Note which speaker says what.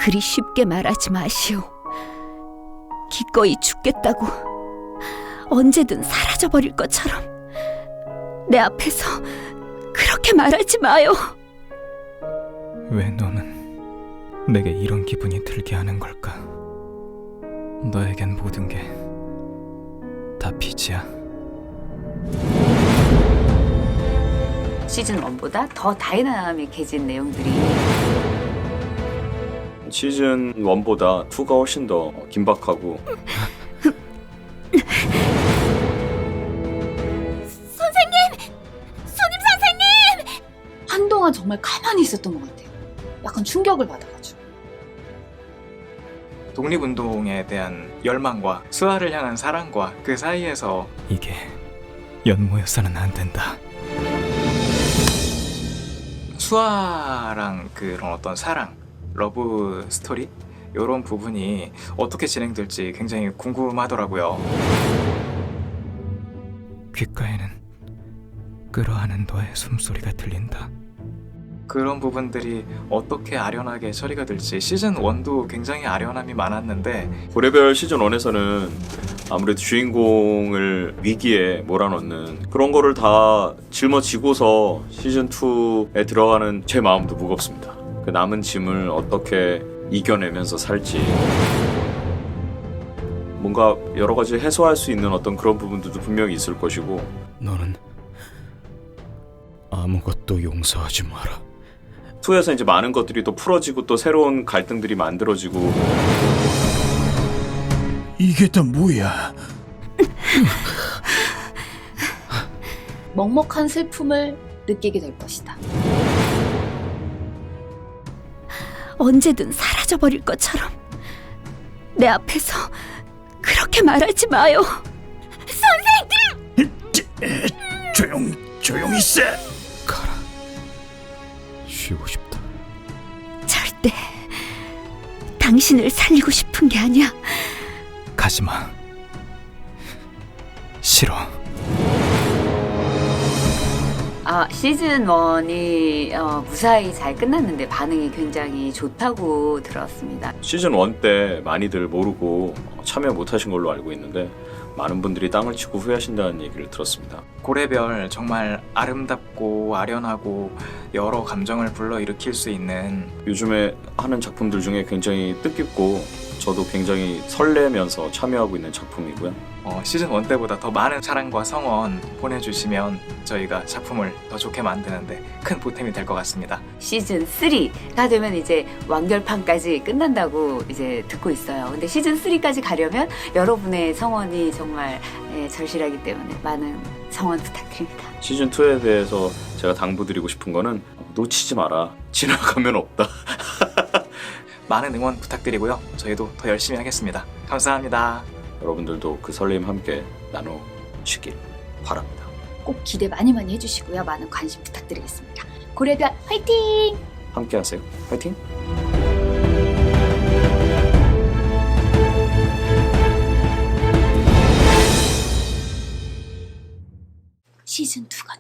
Speaker 1: 그리 쉽게 말하지 마시오. 기꺼이 죽겠다고 언제든 사라져버릴 것처럼 내 앞에서 그렇게 말하지 마요.
Speaker 2: 왜 너는 내게 이런 기분이 들게 하는 걸까? 너에겐 모든 게 다 빚이야.
Speaker 3: 시즌 1보다 더 다이나믹해진 내용들이
Speaker 4: 시즌 1보다 2가 훨씬 더 긴박하고
Speaker 3: 한동안 정말 가만히 있었던 것 같아요. 약간 충격을 받아가지고.
Speaker 2: 독립운동에 대한 열망과 수아를 향한 사랑과 그 사이에서 이게 연모여서는 안 된다. 수아랑 그런 어떤 사랑, 러브 스토리 이런 부분이 어떻게 진행될지 굉장히 궁금하더라고요. 귓가에는 끌어하는 너의 숨소리가 들린다. 그런 부분들이 어떻게 아련하게 처리가 될지 시즌 1도 굉장히 아련함이 많았는데
Speaker 4: 고래별 시즌 1에서는 아무래도 주인공을 위기에 몰아넣는 그런 거를 다 짊어지고서 시즌 2에 들어가는 제 마음도 무겁습니다. 그 남은 짐을 어떻게 이겨내면서 살지 뭔가 여러 가지 해소할 수 있는 어떤 그런 부분들도 분명히 있을 것이고
Speaker 2: 너는 아무것도 용서하지 마라.
Speaker 4: 2에서 이제 많은 것들이 또 풀어지고 또 새로운 갈등들이 만들어지고
Speaker 5: 이게 다 뭐야?
Speaker 3: 먹먹한 슬픔을 느끼게 될 것이다.
Speaker 1: 언제든 사라져버릴 것처럼 내 앞에서 그렇게 말하지 마요.
Speaker 5: 조용히 있어.
Speaker 2: 가라. 쉬고 싶다.
Speaker 1: 절대 당신을 살리고 싶은 게 아니야.
Speaker 2: 가지마. 싫어.
Speaker 3: 시즌 1이 무사히 잘 끝났는데 반응이 굉장히 좋다고 들었습니다.
Speaker 4: 시즌 1 때 많이들 모르고 참여 못하신 걸로 알고 있는데 많은 분들이 땅을 치고 후회하신다는 얘기를 들었습니다.
Speaker 2: 고래별 정말 아름답고 아련하고 여러 감정을 불러일으킬 수 있는
Speaker 4: 요즘에 하는 작품들 중에 굉장히 뜻깊고 저도 굉장히 설레면서 참여하고 있는 작품이고요.
Speaker 2: 시즌 1 때보다 더 많은 사랑과 성원 보내주시면 저희가 작품을 더 좋게 만드는데 큰 보탬이 될 것 같습니다.
Speaker 3: 시즌 3가 되면 이제 완결판까지 끝난다고 이제 듣고 있어요. 근데 시즌 3까지 가려면 여러분의 성원이 정말 절실하기 때문에 많은 성원 부탁드립니다.
Speaker 4: 시즌 2에 대해서 제가 당부드리고 싶은 거는 놓치지 마라. 지나가면 없다.
Speaker 2: 많은 응원 부탁드리고요. 저희도 더 열심히 하겠습니다. 감사합니다.
Speaker 4: 여러분들도 그 설렘 함께 나누시길 바랍니다.
Speaker 3: 꼭 기대 많이 해주시고요. 많은 관심 부탁드리겠습니다. 고래별 화이팅!
Speaker 4: 함께 하세요. 화이팅!
Speaker 3: 시즌 2가